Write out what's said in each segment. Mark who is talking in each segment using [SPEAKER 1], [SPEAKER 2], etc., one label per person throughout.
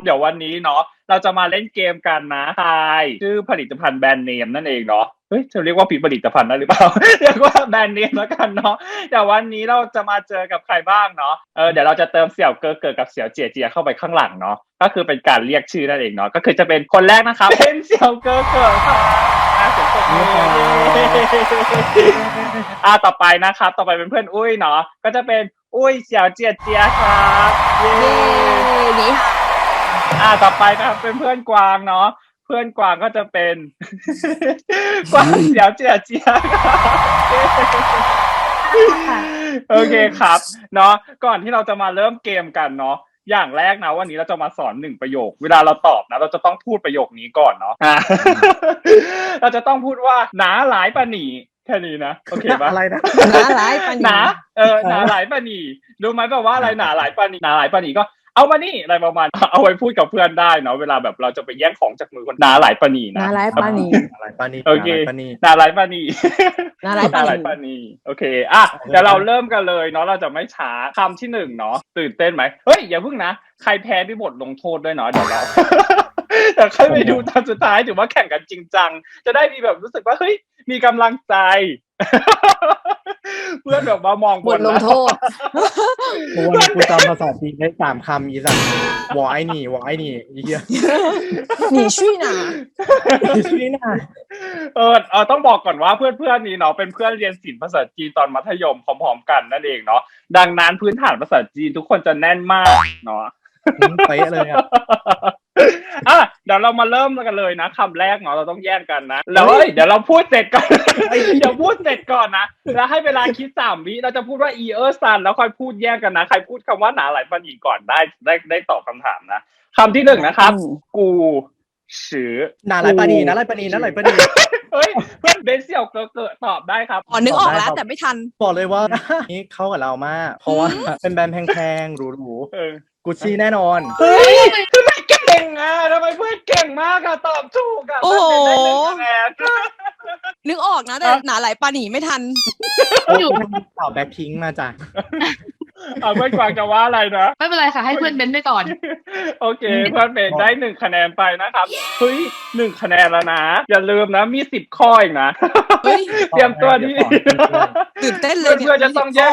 [SPEAKER 1] เดี๋ยววันนี้เนาะเราจะมาเล่นเกมกันนะทายชื่อผลิตภัณฑ์แบรนด์เนมนั่นเองเนาะเฮ้ยจะเรียกว่าผลิตภัณฑ์ได้หรือเปล่า เรียกว่าแบรนด์เนมแล้วกันเนาะเดี๋ยววันนี้เราจะมาเจอกับใครบ้างเนาะเดี๋ยวเราจะเติมเสี่ยวเกอเกิดกับเสี่ยวเจียเจียเข้าไปข้างหลังเนาะก็คือเป็นการเรียกชื่อนั่นเองเนาะก็คือจะเป็นคนแรกนะครับ เป็นเสี่ยวเกอเกิดครับเสียงปรบมือต่อไปนะครับต่อไปเป็นเพื่อนอุ้ยเนาะก็จะเป็นอุ้ยเสี่ยวเจียเจียครับเย้
[SPEAKER 2] นี่
[SPEAKER 1] ต่อไปนะครับเป็นเพื่อนกวางเนาะเพื่อนกวางก็จะเป็น กวางเสี่ยวเจียเจียโอเคครับเนาะก่อนที่เราจะมาเริ่มเกมกันเนาะอย่างแรกนะวันนี้เราจะมาสอน1ประโยคเวลาเราตอบนะเราจะต้องพูดประโยคนี้ก่อนเนาะเราจะต้องพูดว่าหนาหลายปะหนีแค่นี้นะโอเคปะ
[SPEAKER 3] อะไรนะ
[SPEAKER 2] หนาหลายปะหนี
[SPEAKER 1] หนาหลายปะหนีรู้ไหมแบบว่าอะไรหนาหลายปะหนีหนาหลายปะหนีก็เอามานี่อะไรประมาณเอาไว้พูดกับเพื่อนได้เนาะเวลาแบบเราจะไปแย่งของจากมือคนหนาหลายปะหนีนะ
[SPEAKER 2] หนาหลายปะหนี
[SPEAKER 1] โอเคหนาหลายปะหนี
[SPEAKER 2] หนาหลายปะหนี
[SPEAKER 1] โอเคเดี๋ยวเราเริ่มกันเลยเนาะเราจะไม่ช้าคำที่1เนาะตื่นเต้นไหมเฮ้ยอย่าเพิ่งนะใครแพ้มีบทลงโทษด้วยเนาะเดี๋ยวเราแต่ใครไปดูตอนสุดท้ายถือว่าแข่งกันจริงจังจะได้มีแบบรู้สึกว่าเฮ้ยมีกำลังใจเพื่อนแบบว่ามอง
[SPEAKER 2] บทลงโทษ
[SPEAKER 3] เพื่อนกูจำภาษาจีนได้3 คำอีสัตว์วอไอหนี่อีเหี้ย
[SPEAKER 2] หนีช่วยหนา
[SPEAKER 1] ต้องบอกก่อนว่าเพื่อนๆนี้เนาะเป็นเพื่อนเรียนศิลป์ภาษาจีนตอนมัธยมพร้อมๆกันนั่นเองเนาะดังนั้นพื้นฐานภาษาจีนทุกคนจะแน่นมากเนาะ
[SPEAKER 3] เป๊ะเลย
[SPEAKER 1] เดี๋ยวเรามาเริ่มกันเลยนะคำแรกเนาะเราต้องแย่งกันนะแล้วเดี๋ยวเราพูดเสร็จก่อนเดี๋ยวพูดเสร็จก่อนนะแล้วให้เวลาคิด3 วิเราจะพูดว่าซันแล้วค่อยพูดแย่งกันนะใครพูดคำว่าหนาหลายปะหนีก่อนได้ตอบคำถามนะคำที่1นะครับกูชื่อ
[SPEAKER 3] หนาหลายปะหนี
[SPEAKER 1] เฮ้ยเพื่อนเบนเสี่ยวเกิดตอบได้ครับ
[SPEAKER 2] นึกออกแล้วแต่ไม่ทัน
[SPEAKER 3] บอกเลยว่านี่เข้ากับเรามากเพราะว่าเป็นแบรนด์แพงๆหรูๆกุชชี่แน่นอน
[SPEAKER 1] เฮ้ยทำไมเก่งทำไมเพื่อนเก่งมากตอบถูก
[SPEAKER 2] โอ้โหนึกออกนะแต่หนาหลายปะหนีไม่ทัน
[SPEAKER 3] อยู่ตอบแบ็คพิงค์มาจ้ะ
[SPEAKER 1] เพื่อนกวางจะว่าอะไรนะ
[SPEAKER 4] ไม่เป็นไรค่ะให้เพื่อนเบนไปก่อน
[SPEAKER 1] โอเคเพื่อนเบนได้1คะแนนไปนะครับเฮ้ย1คะแนนแล้วนะอย่าลืมนะมี10ข้ออีกนะเตรียมตัวดี
[SPEAKER 2] ตื่นเต้นเลย
[SPEAKER 1] เพื่อนจะต้องแยก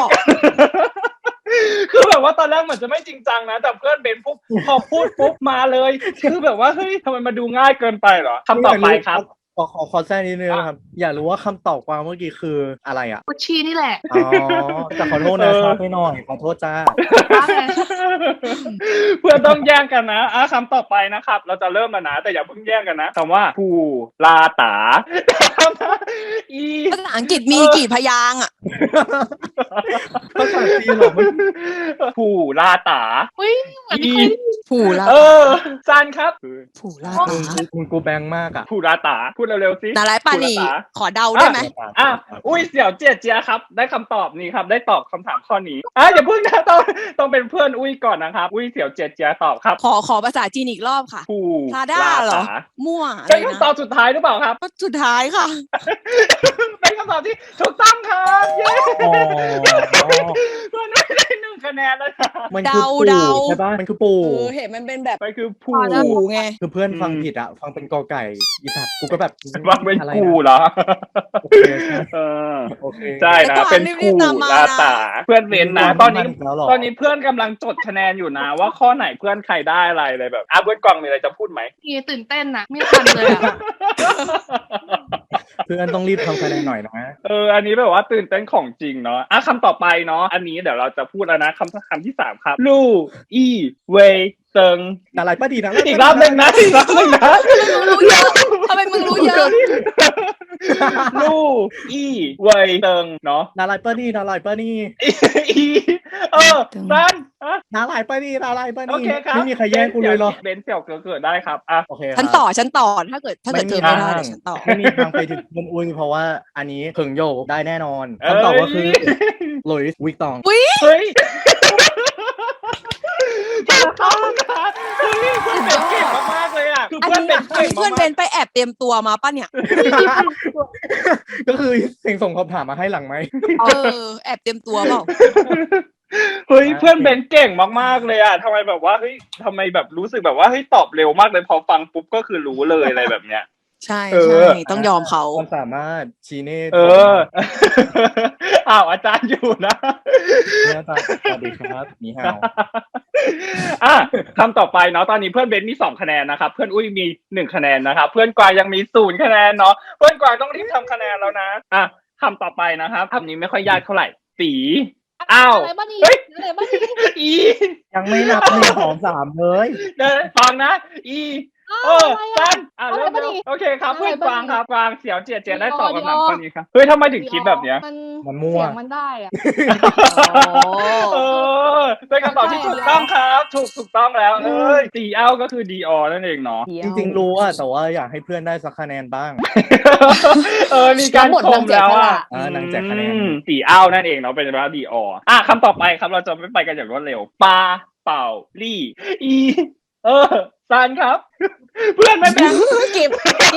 [SPEAKER 1] คือแบบว่าตอนแรกเหมือนจะไม่จริงจังนะแต่เพื่อนเบนปุ๊บพอพูดปุ๊บมาเลยคือแบบว่าเฮ้ยทำไมมาดูง่ายเกินไปเหรอคำต่อไปครับ
[SPEAKER 3] ขอแทรกนิดนึงนะครับอยากรู้ว่าคำตอบกวางเมื่อกี้คืออะไร
[SPEAKER 4] กุชชี่นี่แหละ
[SPEAKER 3] แต่ขอโทษนะชอบไปหน่อยขอโทษจ้า
[SPEAKER 1] เพื่อนต้องแย่งกันนะคำต่อไปนะครับเราจะเริ่มแล้วนะแต่อย่าเพิ่งแย่งกันนะคำว่าผู้ลาตา
[SPEAKER 2] ภาษาอังกฤษมีกี่พยางค์
[SPEAKER 3] ภาษาจีนหรอ
[SPEAKER 1] ผู้ลาตา
[SPEAKER 2] ผู้ลา
[SPEAKER 1] ซันครับ
[SPEAKER 2] ผู้ลาตา
[SPEAKER 3] กูแบงมาก
[SPEAKER 1] ผู้ลาตาพูดเร็วๆสิ
[SPEAKER 2] หนาหลายปะหนีขอเดาได้ไหม
[SPEAKER 1] อุ้ยเสี่ยวเจียเจียครับได้คำตอบนี้ครับได้ตอบคำถามข้อนี้อย่าเพิ่งนะต้องเป็นเพื่อนอุ้ยก่อนนะครับอุ้ยเสี่ยวเจียเจียตอบครับ
[SPEAKER 2] ขอภาษาจีนอีกรอบค่ะพาด้าเหรอมั่ว
[SPEAKER 1] เป็นคำตอบสุดท้ายหรือเปล่าครับ
[SPEAKER 2] สุดท้ายค่ะ
[SPEAKER 1] เป็นคำตอบที่ถูกต้องครับเย้มันไม่ได้1 คะแนนแล้วนะ
[SPEAKER 3] มันคือปู่ใช่ป่ะมันคือปู่
[SPEAKER 2] เห็นมันเป็นแบบ
[SPEAKER 1] มันคือปู่
[SPEAKER 2] ไง
[SPEAKER 3] คือเพื่อนฟังผิดฟังเป็นกอไก่อีสัตว์กูก็แบบ
[SPEAKER 1] ว่าเป็นกูเหรอโอเคใช่นะเป็นกูลาตาเพื่อนเว้นนะตอนนี้เพื่อนกำลังจดคะแนนอยู่นะว่าข้อไหนเพื่อนใครได้อะไรเลยแบบเพื่อนกวางมีอะไรจะพูดไหม
[SPEAKER 4] ตื่นเต้นนะไม่ทันเลย
[SPEAKER 3] เพื่อนต้องรีบทำคะแนนหน่อยนะ
[SPEAKER 1] อันนี้แบบว่าตื่นเต้นของจริงเนาะคำต่อไปเนาะอันนี้เดี๋ยวเราจะพูดแล้วนะคำที่3ครับลู่อีเวเติง
[SPEAKER 3] อะไรป้าดีนะ
[SPEAKER 1] อีกรอบนึงนะ
[SPEAKER 2] ทำไมมึงรู้เยอะ
[SPEAKER 1] ลู่อีเวเติงเนาะ
[SPEAKER 3] นาลายป้านี่
[SPEAKER 1] ซัน
[SPEAKER 3] นาลายป้านี่
[SPEAKER 1] โอเคครับ
[SPEAKER 3] ไม่มีใครแย่งกูเลยหรอ
[SPEAKER 1] เบนเสี่ยวเกิดได้ครับ
[SPEAKER 3] โอเค
[SPEAKER 2] ฉันต่อถ้าเกิดเธอไม่ได้ฉันต่อ
[SPEAKER 3] ไม่มีทางไปถึงเงินอุ้ยเพราะว่าอันนี้เพิงโยได้แน่นอนคำตอบก็คือหลุยส์วิกตอง
[SPEAKER 1] เฮ้ยต้องนะเพื่อนเป็นเก่งมากเลยคือเพื่อน
[SPEAKER 2] เป็นไปแอบเตรียมตัวมาป่ะเนี่ย
[SPEAKER 3] ก็คือเสียงส่งคำถามมาให้หลังไหม
[SPEAKER 2] แอบเตรียมตัวเปล่า
[SPEAKER 1] เฮ้ยเพื่อนเบนเก่งมากๆเลยอ่ะทำไมแบบว่าเฮ้ยทำไมแบบรู้สึกแบบว่าเฮ้ยตอบเร็วมากเลยพอฟังปุ๊บก็คือรู้เลยอะไรแบบเนี้ย
[SPEAKER 2] ใช่ใช่ต้องยอมเขา
[SPEAKER 3] ความสามารถชี้เน่
[SPEAKER 1] อ้าวอาจารย์อยู่นะ
[SPEAKER 3] เนี่ยตาสวัสดีครับนี่ฮาว
[SPEAKER 1] อ่ะคำต่อไปเนาะตอนนี้เพื่อนเบนมี2คะแนนนะครับเพื่อนอุ้ยมี1คะแนนนะครับเพื่อนกวางยังมี0คะแนนเนาะเพื่อนกวางต้องรีบทำคะแนนแล้วนะอ่ะคำต่อไปนะครับคำนี้ไม่ค่อยยากเท่าไหร่สีอ้าว
[SPEAKER 4] อะไรบ้านี่
[SPEAKER 1] เฮ้ย
[SPEAKER 4] อะไรบ้านี่
[SPEAKER 1] อี
[SPEAKER 3] ยังไม่นับ1 2 3เลย
[SPEAKER 1] เดินฟังนะอีสั้นเริ่ม
[SPEAKER 4] อะไรบ้านี่
[SPEAKER 1] โอเคครับเพื่อนกวางครับกวางเสียวเจียได้ตอบคำถาม
[SPEAKER 4] ดีออ
[SPEAKER 1] ข้อนี้ครับเฮ้ยทำไมถึงคิดแบบเนี้ย
[SPEAKER 3] มันมั่ว
[SPEAKER 4] เสียงมันได้อ่ะ
[SPEAKER 1] เออเป็นคำตอบที่ถูกต้องครับถูกต้องแล้วเอ้ยตีเอาก็คือดีออนั่นเองเนาะ
[SPEAKER 3] จริงๆรู้อะแต่ว่าอยากให้เพื่อนได้สักคะแนนบ้าง
[SPEAKER 1] มีการชมแล้วอ่ะ
[SPEAKER 3] นางแจกคะแนน
[SPEAKER 1] ตีเอานั่นเองเนาะเป็นว่าดีออคำต่อไปครับเราจะไม่ไปกันอย่างรวดเร็วปาเป่าลี่อีซานครับ เพื่อนไม่แบ่ง
[SPEAKER 2] กิบ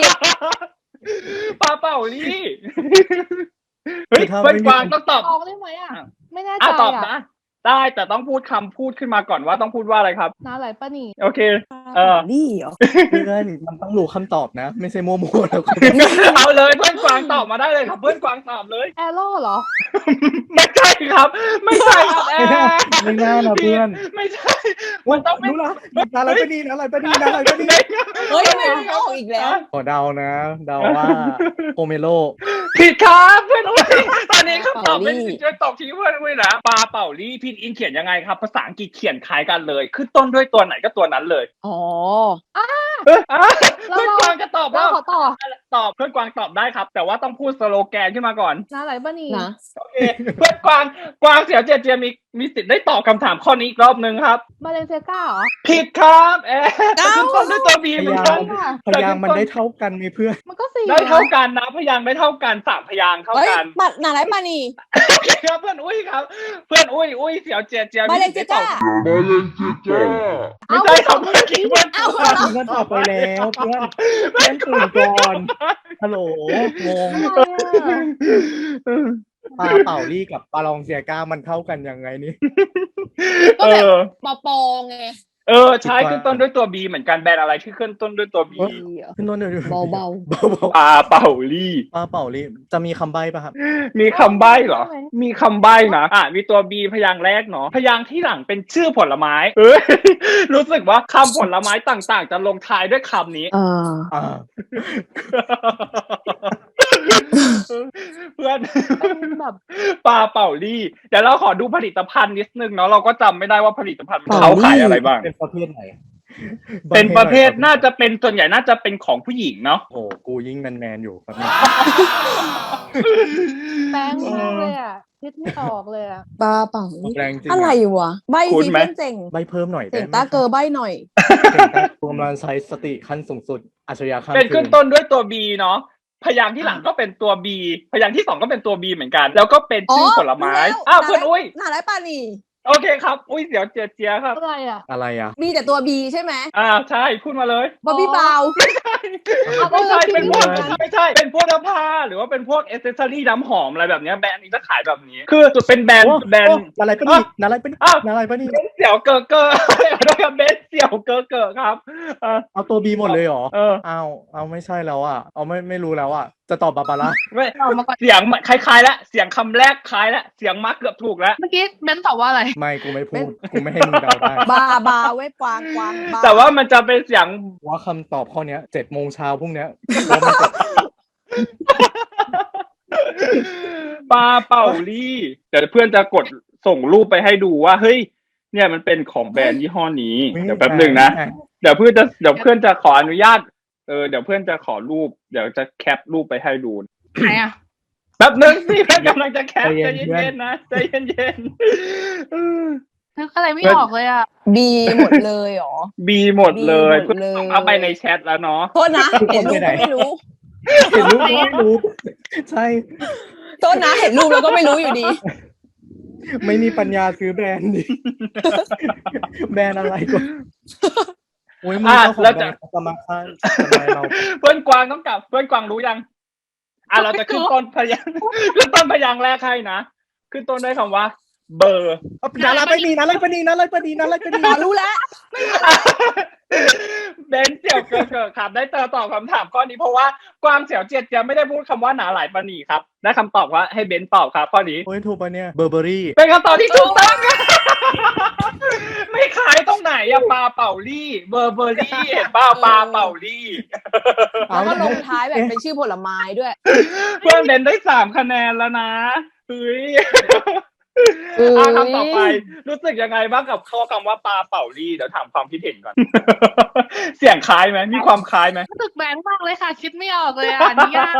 [SPEAKER 1] ปาเป่าลี่เฮ้ยเพื่อนกวางต้องตอบ
[SPEAKER 4] ตอบได้ไหมอ่ะ ไม่แน่ใจ
[SPEAKER 1] ตอบ
[SPEAKER 4] อ่ะ
[SPEAKER 1] นะได้แต่ต้องพูดคำพูดขึ้นมาก่อนว่าต้องพูดว่าอะไรครับ
[SPEAKER 4] น้าอะไรป้านี่
[SPEAKER 1] โอเค
[SPEAKER 2] นี่เหรอ
[SPEAKER 3] เพื่อนมันต้องรู้คำตอบนะ ไม่ใช่มั่วๆแล้วก็
[SPEAKER 1] เอาเลยเพื่อนกวางตอบมาได้เลยครับเพื่อนกวางตอบเลย
[SPEAKER 4] แอโร่เหรอ
[SPEAKER 1] ไม่ใช่ครับ ไม่ใช่ครับแอร์
[SPEAKER 3] ไม่น่านะเพื่อน
[SPEAKER 1] ไม่ใช่มันต้องเป็น
[SPEAKER 3] รู้ละอะไรปะนี่อะไรปะนี่อะไรปะนี่
[SPEAKER 2] เฮ้ยไม่ได้ออกอีกแล้ว
[SPEAKER 3] ขอเดานะ เดาว่าโอเมโล
[SPEAKER 1] ผิดครับเพื่อนอุ้ยตอนนี้คำตอบเป็น
[SPEAKER 2] เป่าลี่
[SPEAKER 1] จะตอบชี้เพื่อนอุ้ยนะปลาเป่าลี่พินอินเขียนยังไงครับ ภาษาอังกฤษเขียนคล้ายกันเลยขึ้นต้นด้วยตัวไหนก็ตัวนั้นเลย
[SPEAKER 2] อ๋อ
[SPEAKER 1] เพื่อนกวางจะตอบ
[SPEAKER 4] เรา
[SPEAKER 1] แล้ว
[SPEAKER 4] ขอต่อ
[SPEAKER 1] ตอบเพื่อนกวางตอบได้ครับ แต่ว่าต้องพูดสโลแกนขึ้นมาก่อน
[SPEAKER 4] น้าอะไรป้านี่
[SPEAKER 2] นะ
[SPEAKER 1] โอเคเพื่อนกวางเสียวเจียมีสิทธิ์ได้ตอบคำถามข้อนี้อีกรอบนึงครับ
[SPEAKER 4] บาเลนเซียก้าเหรอ
[SPEAKER 1] ผิดครับขึ้นต้นด้วยตัวบีเหมือนกัน
[SPEAKER 3] พยางค์มันได้เท่ากันไหมเพื่อน
[SPEAKER 4] มันก็สี่
[SPEAKER 1] ได้เท่ากันนะพยางค์ได้เท่ากัน3พยางค์เท่า
[SPEAKER 2] เฮ้ย
[SPEAKER 1] กัน
[SPEAKER 2] ปัดหนาไรปานี
[SPEAKER 1] โอเคครับเพื่อนอุ้ยครับ เพื่อนอุ้ยเสียวเจีย
[SPEAKER 2] บาเลน
[SPEAKER 1] ได้
[SPEAKER 2] เซีย
[SPEAKER 1] ตอ
[SPEAKER 2] ก้า
[SPEAKER 1] บไม่ใช่ครับเมื่อกี้เพื่อน
[SPEAKER 2] เอา
[SPEAKER 3] เพื่อนตอบไปแล้วเพื่อนตื่นก่อนฮัลโหลงง
[SPEAKER 4] อะไรอ่ะ
[SPEAKER 3] ปลาเป่าลี่กับปลาลองเซียก้ามันเท่ากันยังไงนี่
[SPEAKER 2] ก็แบบปอปอไง
[SPEAKER 1] ใช่ขึ้นต้นด้วยตัวบีเหมือนกันแบรนด์อะไรที่ขึ้นต้นด้วยตัวบี
[SPEAKER 3] ขึ้นต้นด้วย
[SPEAKER 2] เบา
[SPEAKER 3] เบา
[SPEAKER 1] ปลาเป่าลี่
[SPEAKER 3] ปลาเป่าลี่จะมีคำใบ้ป่ะครับ
[SPEAKER 1] มีคำใบ้เหรอ มีคำใบ้นะมีตัวบีพยางค์แรกเนาะพยางค์ที่หลังเป็นชื่อผลไม้รู้สึกว่าคำผลไม้ต่างๆ จะลงท้ายด้วยคำนี้
[SPEAKER 3] อ่า
[SPEAKER 1] เพื่อน
[SPEAKER 4] เป็นแบบ
[SPEAKER 1] ปลาเป่าลี่เดี๋ยวเราขอดูผลิตภัณฑ์นิดนึงเนาะเราก็จำไม่ได้ว่าผลิตภัณฑ์เขาขายอะไรบ้าง
[SPEAKER 3] เป็นประเภทไหน
[SPEAKER 1] เป็นประเภทน่าจะเป็นส่วนใหญ่น่าจะเป็นของผู้หญิงเนาะ
[SPEAKER 3] โอ้กูยิ่งแมนอยู่ครับ
[SPEAKER 4] แป้งมากเลยอ่ะคิดไม่ออกเลยอ่ะ
[SPEAKER 2] ปลาเป่า
[SPEAKER 3] แรงจริง
[SPEAKER 2] อะไรวะ ใบสิเพื่อนเจ๋ง
[SPEAKER 3] ใบเพิ่มหน่อย
[SPEAKER 2] เจ๋งตาเกอใบหน่อย
[SPEAKER 3] รวมรันใช้สติขั้นสูงสุดอัจฉริยะขั้น
[SPEAKER 1] เป็นขึ้นต้นด้วยตัว B เนาะพยางค์ที่หลังก็เป็นตัว B พยางค์ที่2ก็เป็นตัว B เหมือนกัน แล้วก็เป็นชื่อผลไม้เพื่อนอุ้ย
[SPEAKER 2] หนาไรปานี
[SPEAKER 1] โอเคครับอุ้ยเดี๋ยวเจียครับ
[SPEAKER 4] อะไรอ่ะ
[SPEAKER 3] อะไรอ่ะ
[SPEAKER 2] มีแต่ตัวบีใช่ไหม
[SPEAKER 1] ใช่พูดมาเลย
[SPEAKER 2] บอบบี้บาว
[SPEAKER 1] ไม่ใช่เป็นพวกไม่ใช่เป็นพวกเสื้อผ้าหรือว่าเป็นพวกเอเซสซอรี่น้ำหอมอะไรแบบเนี้ยแบรนด์นี้จะขายแบบนี้ คือจุดเป็นแบรนด์
[SPEAKER 3] อะไรปะนี่อะไรปะนี่อะไรปะนี่
[SPEAKER 1] เบนเสี่ยวเกอร์เกอร์ด้วยกับเบนเสี่ยวเกอร์เกอร์ครับ
[SPEAKER 3] เอาตัวบีหมดเลยเหรอ
[SPEAKER 1] เอา
[SPEAKER 3] ไม่ใช่แล้วอ่ะเอาไม่รู้แล้วอ่ะจะตอบบาบาร่า
[SPEAKER 1] ไม่
[SPEAKER 4] เอามาก่อน
[SPEAKER 1] เสียงคล้ายๆแล้วเสียงคำแรกคล้ายแล้วเสียงมาเกือบถูกแล้ว
[SPEAKER 4] เมื่อกี้เบนตอบว่าอะไร
[SPEAKER 3] ไม่กูไม่พูดกูไม่ให้มึงเดาได้
[SPEAKER 2] บาเว้ยกวางบา
[SPEAKER 1] แต่ว่ามันจะเป็นเสียง
[SPEAKER 3] ว่าคำตอบข้อเนี้ย7 โมงเช้าพรุ่งเนี้ย
[SPEAKER 1] ปลาเป่าลี่เดี๋ยวเพื่อนจะกดส่งรูปไปให้ดูว่าเฮ้ยเนี่ยมันเป็นของแบรนด์ยี่ห้อนี้เดี๋ยวแป๊บหนึ่งนะเดี๋ยวเพื่อนจะขออนุญาตเดี๋ยวเพื่อนจะขอรูปเดี๋ยวจะแคปรูปไปให้ดู
[SPEAKER 4] ไหนอ่ะ
[SPEAKER 1] แป๊บหนึ่งสิเพื่อนกำลังจะแคปใจเย็นๆนะใจเย็นๆ
[SPEAKER 4] นึกอะไรไม่ออกเลยอ่ะ
[SPEAKER 2] บีหมดเลยเหรอ
[SPEAKER 1] บีหมดเลย
[SPEAKER 2] B หม
[SPEAKER 1] เพื่อ
[SPEAKER 2] ด
[SPEAKER 1] น
[SPEAKER 2] เลย
[SPEAKER 1] ส่งเข้าไปในแชทแล้วเนาะ
[SPEAKER 2] โทษนะเห็นรูปก็ไม่รู้
[SPEAKER 3] เห็นรูปก็ไม่รู้ใช่
[SPEAKER 2] โทษนะเห็นรูปแล้วก็ไม่รู้อยู่ดี
[SPEAKER 3] ไม่มีปัญญาซื้อแบรนด์ดิแบรนด์อะไรก็โอ้ยมึงเจ้าของแบรนด์สมาคารทำไมเรา
[SPEAKER 1] เพื่อนกวางต้องกลับเพื่อนกวางรู้ยังเราจะขึ้นต้นพยางค์แรกให้นะขึ้นต้นด้วยคำว่าเบอร์
[SPEAKER 3] นาลายปณีนาลายปณีนาลายปณีนาลายปณี
[SPEAKER 2] อ๋อรู้แล้ว
[SPEAKER 1] เบนเสี่ยวเกิดครับได้ตอบคำถามข้อนี้เพราะว่ากวางเสี่ยวเจียจะไม่ได้พูดคำว่าหนาหลายปณีครับได้คำตอบว่าให้เบนตอบครับข้อนี้
[SPEAKER 3] โอ้ยถูกปะเนี่ยเบอร์เบอรี่
[SPEAKER 1] เป็นคำตอบที่ถูกต้องไม่ขายตรงไหนอะปลาเป่าลี่เบอร์เบอรี่เห็นป่าวปลาเป่าลี่
[SPEAKER 2] แล้วก็ลงท้ายแบบเป็นชื่อผลไม้ด้วย
[SPEAKER 1] เพื่อนเบนได้3 คะแนนแล้วนะเฮ้ยคำต่อไปรู้สึกยังไงบ้างกับข้อคำว่าปลาเป่าลี่เดี๋ยวถามความคิดเห็นก่อน เสียงคล้ายไหมมีความคล้ายไหม
[SPEAKER 4] รู้สึกแบงค์มากเลยค่ะ คิดไม่ออกเลยอ่ะนี่ยาก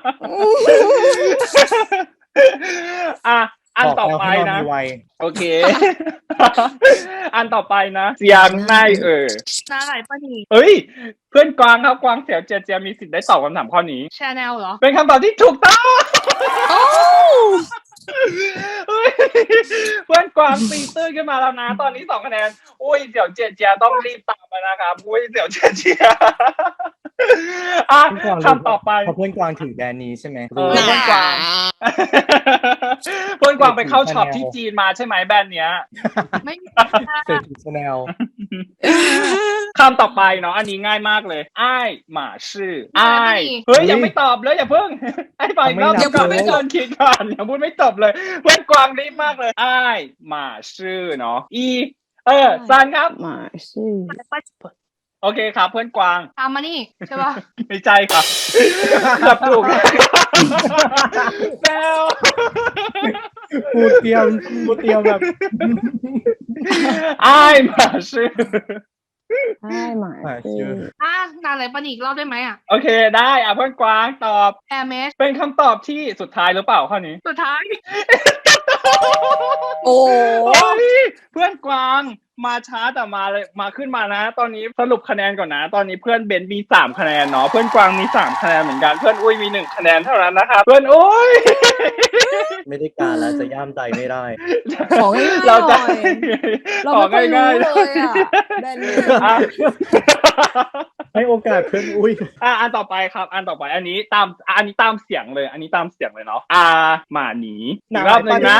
[SPEAKER 1] อันต่อไปนะ
[SPEAKER 3] บอกแล้วให้นอนมีวัย
[SPEAKER 1] โอเค อันต่อไปนะเสียงใน
[SPEAKER 4] นาหลายปณี
[SPEAKER 1] เฮ้ย เพื่อนกวางครับกวางเสี่ยวเจียมีสิทธิ์ได้ตอบคำถามข้อนี้
[SPEAKER 4] ชาแนลเหรอ
[SPEAKER 1] เป็นคำตอบที่ถูกต้อง
[SPEAKER 2] โอ้
[SPEAKER 1] เฮ้ยเพื่อนกวางตีตื้นขึ้นมาแล้วนะ ตอนนี้2 คะแนนอุ้ยเสี่ยวเจียต้องรีบตามมานะครับอุ้ยเสี่ยวเจียคำต่อไป
[SPEAKER 3] เพราะเพื่อนกวางถือแบรนด์นี้ใช่ไหม
[SPEAKER 1] เพื่อนกวาง เพื่อนกวางไปเข้าช็อปที่จีนมาใช่ไหมแบรนด์เนี้ย
[SPEAKER 4] ไม่มี
[SPEAKER 3] เสร็จชาแนล
[SPEAKER 1] คำต่อไปเนาะอันนี้ง่ายมากเลยอ้ายหมาชื่ออ้ายเฮ้ยยังไม่ตอบเลยอย่าเพิ่งไอ้ไปอีกรอบก่อนให้โดนคิดก่อนอย่าพูดไม่จบเลยเพื่อนกวางรีบมากเลยอ้ายหมาชื่อเนาะซันครับ
[SPEAKER 2] มาชื่อ
[SPEAKER 1] โอเคครับเพื่อนกวาง
[SPEAKER 4] ตามมานี่ใช่ป่ะ
[SPEAKER 1] ไม่ใช่ครับเกือบถูกแซว
[SPEAKER 3] พูดเตรียมแบบ
[SPEAKER 1] อ้ายหมาชื่อ
[SPEAKER 2] ใช่หมาชื่อ
[SPEAKER 4] นาหลายปณีอีกรอบได้ไหมอ่ะ
[SPEAKER 1] โอเคได้เพื่อนกวางตอบ
[SPEAKER 4] แอร์เมส
[SPEAKER 1] เป็นคำตอบที่สุดท้ายหรือเปล่าข้อนี้
[SPEAKER 4] สุดท้าย
[SPEAKER 2] โอ้
[SPEAKER 1] โอ้ยเพื่อนกวางมาช้าแต่มาเลยมาขึ้นมานะ ตอนนี้สรุปคะแนนก่อนนะ ตอนนี้เพื่อนเบนมี3 คะแนนเนาะเพื่อนกวางมี3 คะแนนเหมือนกันเพื่อนอุ้ยมี1 คะแนนเท่านั้นนะครับเพื่อนอุ้ย
[SPEAKER 3] ไม่ได้การแล้วจะย่ามใจไม่ได้
[SPEAKER 2] ของง่ายๆห
[SPEAKER 1] เรา
[SPEAKER 2] น่
[SPEAKER 1] จะ
[SPEAKER 2] อยเราไม่เคยรู้เลยอ่ะแบรนด์เนม
[SPEAKER 1] อ่ะ
[SPEAKER 3] ให้โอกาสเพื่อนอุ้ย
[SPEAKER 1] อันต่อไปครับ อันต่อไปอันนี้ตามเสียงเลย อันนี้ตามเสียงเลยเนาะหมาหนีอีกรอบหนึ่งนะ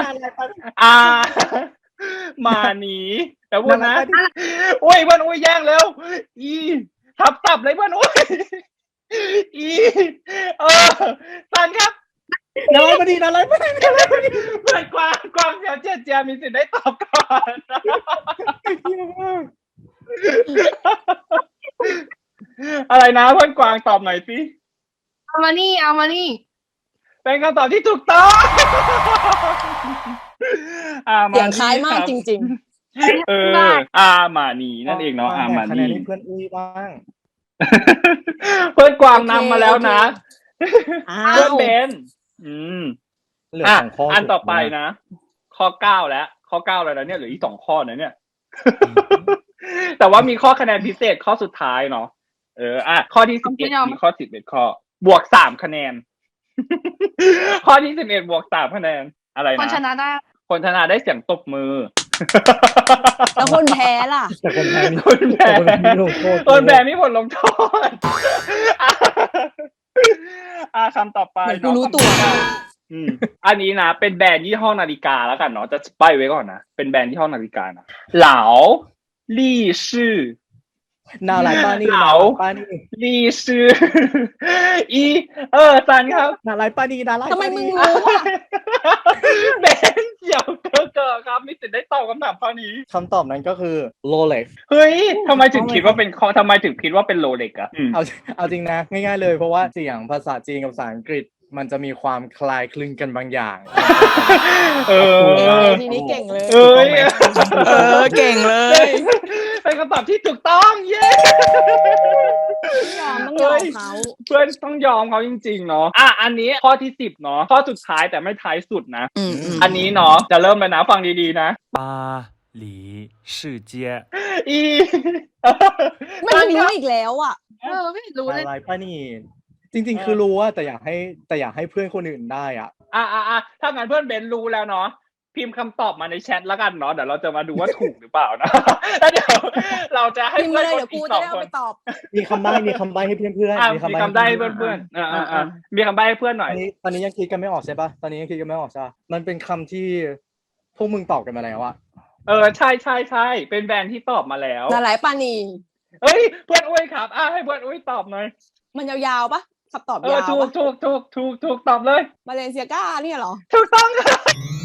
[SPEAKER 1] หมาหนีแต่พูดนะโอ้ยเพื่อนอุ้ยแย่งเร็วทับตับเลยเพื่อนอุ้ยสันครับ
[SPEAKER 3] นาลายปณีนาลายปณี
[SPEAKER 1] เพื่อนกวางเสียวเจียมีสิทธิ์ได้ตอบก่อนอะไรนะเพื่อนกวางตอบหน่อยสิ
[SPEAKER 4] เอามานี่
[SPEAKER 1] เป็นคำตอบที่ถูกต้อง
[SPEAKER 2] เสียงคล้ายมากจริง
[SPEAKER 1] หมาหนีนั่นเองเนาะหมาห
[SPEAKER 3] คะแน
[SPEAKER 1] นี
[SPEAKER 3] นให้เพื่อนอุ้ยบ้าง
[SPEAKER 1] เพื่อนกวางนำมาแล้วนะ
[SPEAKER 2] ๆอ้า
[SPEAKER 1] เพื่อน
[SPEAKER 2] ว
[SPEAKER 1] เบน
[SPEAKER 3] เหลือ2 ข้อ
[SPEAKER 1] อันต่อไปนะ ข้อ9แล้วข้อ9แล้วนะเนี่ยเหลืออีก2 ข้อนะเนี่ย แต่ว่ามีข้อคะแนนพิเศษข้อสุดท้ายเนาะข้อที่11มีข้อ11ข้อบวก3 คะแนน ข้อที่11บวก3 คะแนนอะไรนะ
[SPEAKER 4] คนชนะได้
[SPEAKER 1] คนชนะได้เสียงตบมือ
[SPEAKER 2] แล้วคนแพ้ล่ะ
[SPEAKER 3] แต่คนแพ้มี
[SPEAKER 1] คนแพ้
[SPEAKER 3] ลงโทษ
[SPEAKER 1] คนแพ้มีผลลงโทษ คำต่อไป
[SPEAKER 2] เหมือนกูรู้ตัว
[SPEAKER 1] อันนี้นะเป็นแบรนด์ยี่ห้อนาฬิกาแล้วกันเนาะจะใบ้ไว้ก่อนนะเป็นแบรนด์ยี่ห้อนาฬิกานะเหลาลี่ชื่อ
[SPEAKER 3] นาลายปณี
[SPEAKER 1] เหลา ลี่ชื่อซันครับ
[SPEAKER 3] นาลายปณีนาลาย
[SPEAKER 2] ทำไมมึงรู้อ่ะ
[SPEAKER 1] เบนเกี่ยวเกอครับมีสิทธิ์ได้ตอบคำถามข้อนี้
[SPEAKER 3] คำตอบนั้นก็คือ Rolex
[SPEAKER 1] เฮ้ยทำไมถึงคิดว่าเป็นทำไมถึงคิดว่าเป็นโรเล็กอะ
[SPEAKER 3] เอาจริงนะง่ายๆเลยเพราะว่าเสียงภาษาจีนกับภาษาอังกฤษมันจะมีความคล้ายคลึงกันบางอย่าง
[SPEAKER 2] ทีนี้เก่งเลย
[SPEAKER 1] เอ้ย
[SPEAKER 2] เก่งเลย
[SPEAKER 1] เป็นคำตอบที่ถูกต้องเย้
[SPEAKER 2] ต้องยอมเขา
[SPEAKER 1] เพื่อนต้องยอมเขาจริงๆเนาะอันนี้ข้อที่10เนาะข้อสุดท้ายแต่ไม่ท้ายสุดนะ อันนี้เนาะจะเริ่มเลยนะฟังดีๆนะ
[SPEAKER 5] 巴黎世界
[SPEAKER 2] ไม่รู้อีกแล้วอ่ะ
[SPEAKER 4] ไม่รู้เลย
[SPEAKER 3] นาลายปณีจริงๆคือรู้ว่าแต่อยากให้เพื่อนคนอื่นได้อ่ะ
[SPEAKER 1] ถ้างั้นเพื่อนเบนรู้แล้วเนาะพิมพ์คำตอบมาในแชทแล้วกันเนาะเดี๋ยวเราจะมาดูว่าถูกหรือเปล่านะแล้วเดี๋ยวเราจะให้
[SPEAKER 2] พิมพ์
[SPEAKER 1] เพื่
[SPEAKER 2] มา
[SPEAKER 1] อน
[SPEAKER 2] เลย
[SPEAKER 1] คน
[SPEAKER 2] เดี๋ยว
[SPEAKER 1] อี
[SPEAKER 2] กู
[SPEAKER 1] ก
[SPEAKER 2] จะ
[SPEAKER 1] 2
[SPEAKER 2] ได้
[SPEAKER 1] ค
[SPEAKER 2] เอา
[SPEAKER 1] น
[SPEAKER 2] ไปตอบ
[SPEAKER 3] มีคำใบ้ให้เพื่อนๆ
[SPEAKER 1] มีคำใบ้ให้เพื่อนๆมีคำใบ้ให้เพื่อนหน่อย
[SPEAKER 3] ตอนนี้ยังคิดกันไม่ออกใช่ปะตอนนี้ยังคิดกันไม่ออกใช่ปะมันเป็นคำที่พวกมึงตอบกันมาแล้วอะ
[SPEAKER 1] ใช่ใช่ใช่เป็นแบรนด์ที่ตอบมาแล้ว
[SPEAKER 2] นาหลายปานี
[SPEAKER 1] เอ้ยเพื่อนอุ้ยครับให้เพื่อนอุ้ยตอบหน่อย
[SPEAKER 2] มันยาวๆปะคำตอบยาว
[SPEAKER 1] ถูก
[SPEAKER 2] ปะ
[SPEAKER 1] ถูกตอบเลย
[SPEAKER 2] มาเลเซียก้าเนี่ยเหรอ
[SPEAKER 1] ถูกต้องค่ะ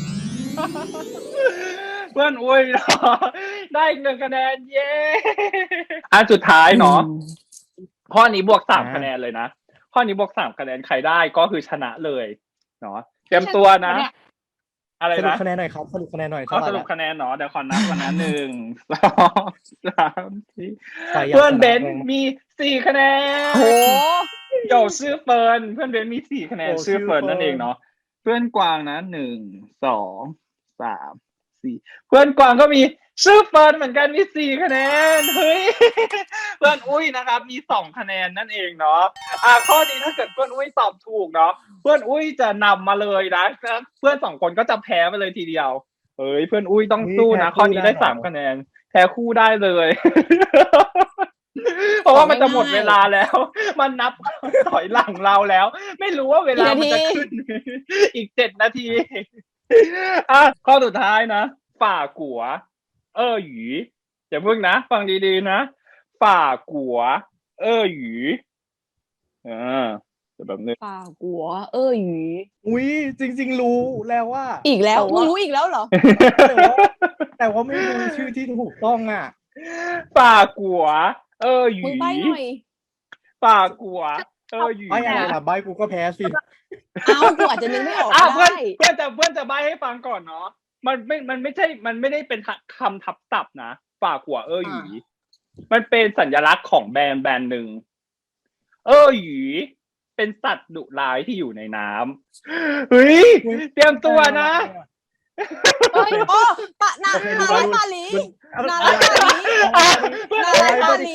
[SPEAKER 1] เพื่อนอุ้ยเนาะได้อีก1คะแนนเย้สุดท้ายเนาะข้อนี้บวก3คะแนนเลยนะข้อนี้บวก3คะแนนใครได้ก็คือชนะเลยเนาะเตรียมตัวนะ อะไร
[SPEAKER 3] สรุป
[SPEAKER 1] นะ
[SPEAKER 3] คะแนนหน่อยครับสรุปคะแนนหน่อย
[SPEAKER 1] ก็สรุปคะแนนเนาะเดี๋ยวขอนับก่อนนะ1 2 3 4เพื่อนเบนมี4คะแนน
[SPEAKER 2] โห
[SPEAKER 1] โยชื่อเฟิร์นเพื่อนเบนมี4คะแนนชื่อเฟิร์นนั่นเองเนาะเพื่อนกวางนะ1 2 3 4เพื่อนกวางก็มีชื่อเฟิร์นเหมือนกันมี4คะแนนเฮ้ยเพื่อนอุ้ยนะครับมี2คะแนนนั่นเองเนาะข้อนี้ถ้าเกิดเพื่อนอุ้ยตอบถูกเนาะเพื่อนอุ้ยจะนำมาเลยนะเพื่อน2คนก็จะแพ้ไปเลยทีเดียวเฮ้ยเพื่อนอุ้ยต้องสู้นะข้อนี้ได้3คะแนนแพ้คู่ได้เลย เพราะว่ามันจะหมดเวลาแล้ว มันนับถอยหลังเราแล้ว ไม่รู้ว่าเวลามันจะขึ้น อีก7 นาทีข้อสุดท้ายนะฝ่ากัวหยีอย่าเพิ่งนะฟังดีๆนะฝ่ากัวหยีแบบนึง
[SPEAKER 2] ป่ากัว หยี
[SPEAKER 3] อุ้ยจริงๆรู้แล้วว่า
[SPEAKER 2] อีกแล้ว
[SPEAKER 3] ต่
[SPEAKER 2] มึงรู้อีกแล้วเหรอ
[SPEAKER 3] แต่ว่าไม่รู้ชื่อที่ถูกต้องอ่ะ
[SPEAKER 1] ฝ่ากัวหยี
[SPEAKER 2] มึงใบ้หน่อย
[SPEAKER 1] ฝ่ากัวหยี
[SPEAKER 3] ไม่อะไรล่ะใบกูก็แพ้สิ
[SPEAKER 2] กูอาจจะนึกไม่ออก
[SPEAKER 1] เพื่อน
[SPEAKER 2] ได้
[SPEAKER 1] เพื่อนจะใบ้ให้ฟังก่อนเนาะมันไม่ใช่มันไม่ได้เป็นคำทับศัพท์นะฝ่ากัวหยีมันเป็นสัญลักษณ์ของแบรนด์หนึ่งหยีเป็นสัตว์ดุร้ายที่อยู่ในน้ำเฮ้ยเตรียมตัวนะ
[SPEAKER 2] เฮ้ยปะนาลายปาหลีนาลายปาหลี นาลายปาหลี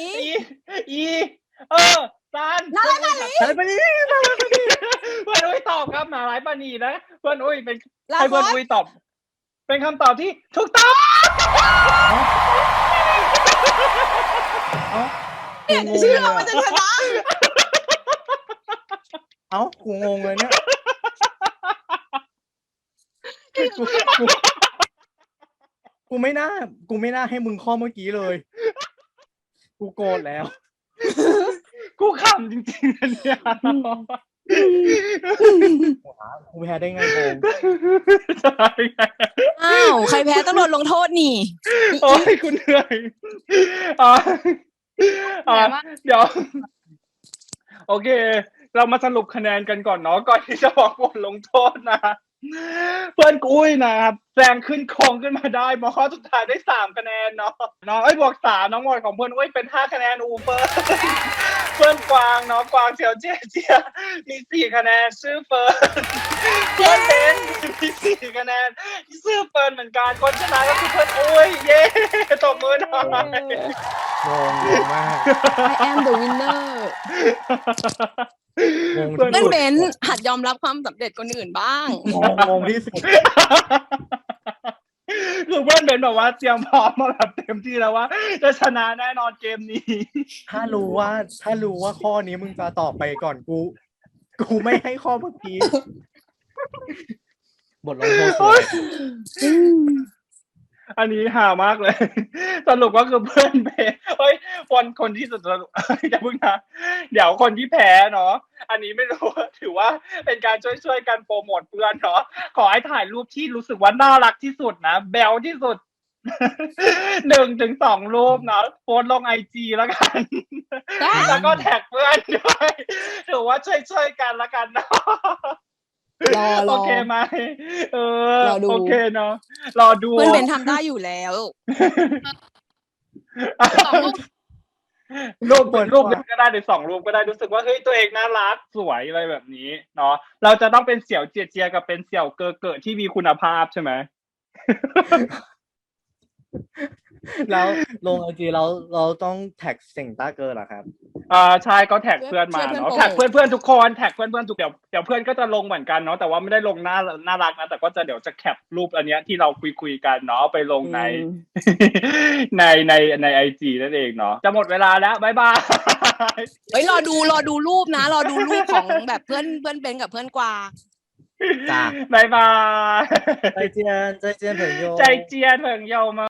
[SPEAKER 1] ซาน
[SPEAKER 2] นาลายปาหลี
[SPEAKER 3] ใช่ปะนี่
[SPEAKER 1] เพื่อนอุ้ยตอบครับนาลายปานีนะเพื่อนอุ้ยเป็น
[SPEAKER 2] ลา
[SPEAKER 1] ให้
[SPEAKER 2] ค
[SPEAKER 1] เพื่
[SPEAKER 2] อ
[SPEAKER 1] อน
[SPEAKER 2] ส
[SPEAKER 1] อุ้ยตอบ เป็นคำตอบที่ถูกต้อง
[SPEAKER 2] เนี่ยเชื่อมันจะชนะ
[SPEAKER 3] กูงงเลยเนี่ยกูไม่น่าให้มึงข้อเมื่อกี้เลย กูโกรธแล้ว
[SPEAKER 1] กูขำจริงๆนะเนี่ย
[SPEAKER 3] กูแพ้ได้ไงงง
[SPEAKER 1] ใช่ไง
[SPEAKER 2] ใครแพ้ต้องโดนลงโทษนี่
[SPEAKER 1] โอ้ยคุณเหนื่อยเดี๋ยว โอเค เรามาสรุปคะแนนกันก่อนเนาะก่อนที่จะบอกบทลงโทษนะเพื่อนกุ้ยนะครับแซงขึ้นครองขึ้นมาได้มาข้อสุดท้ายได้3คะแนนเนาะน้องบวก3น้องหมดของเพื่อนอุ้ยเป็น5คะแนนเพื่อนกวางเนาะกวางเจียวเจียมี4คะแนนชื่อเฟิร์นเพื่อนเบนมี4คะแนนชื่อเฟิร์นเหมือนกันคนชนะก็คือเพื่อนอุ้ยเย้ตบมือหน่อย
[SPEAKER 3] งงมาก
[SPEAKER 2] I am the winner เพื่อนเบนหัดยอมรับความสำเร็จคนอื่นบ้าง
[SPEAKER 3] งงที่สุด
[SPEAKER 1] คือเพื่อนเบนบอกว่าเตรียมพร้อมมาแบบเต็มที่แล้วว่าจะชนะแน่นอนเกมนี้
[SPEAKER 3] ถ้ารู้ว่าข้อนี้มึงจะตอบไปก่อนกูไม่ให้ข้อเมื่อกี้บทลงโทษเลย
[SPEAKER 1] อันนี้หามากเลย สรุปก็คือเพื่อนแพ้คนที่สุดสรุป อย่าเพิ่งนะเดี๋ยวคนที่แพ้เนาะอันนี้ไม่รู้ถือว่าเป็นการช่วยกันโปรโมทเพื่อนเนาะขอให้ถ่ายรูปที่รู้สึกว่าน่ารักที่สุดนะแบลที่สุด 1-2 รูปเนาะโพสต์ลงIG แล้วกัน แล้วก็แท็กเพื่อนด้วยถือว่าช่วยกันแล้วกันเนาะโอเคไหมโอเคเนาะรอดู
[SPEAKER 2] เพื่อนเบนทำได้อยู่แล้ว
[SPEAKER 1] รูปก็ได้หรือ2 รูปก็ได้รู้สึกว่าเฮ้ยตัวเองน่ารักสวยอะไรแบบนี้เนาะเราจะต้องเป็นเสี่ยวเจียกับเป็นเสี่ยวเกอที่มีคุณภาพใช่ไหม
[SPEAKER 3] แล้วลงไอจีเราต้องแท็กเสิ่งต้าเกอร์เหรอครับ
[SPEAKER 1] ใช่ก็แท็กเพื่อนมาเนาะแท็กเพื่อนทุกคนแท็กเพื่อนทุกเดี๋ยวเพื่อนก็จะลงเหมือนกันเนาะแต่ว่าไม่ได้ลงน่ารักนะแต่ก็จะเดี๋ยวจะแคปรูปอันเนี้ยที่เราคุยกันเนาะไปลงใน ในIG นั่นเองเนาะจะหมดเวลาแล้วบ๊ายบาย
[SPEAKER 2] เฮ้ยรอดูรูปนะรอดูรูปของแบบเพื่อนเบนกับเพื่อนกวาง
[SPEAKER 3] จ้า
[SPEAKER 1] บ๊ายบาย
[SPEAKER 3] 再见朋友
[SPEAKER 1] 再见朋友们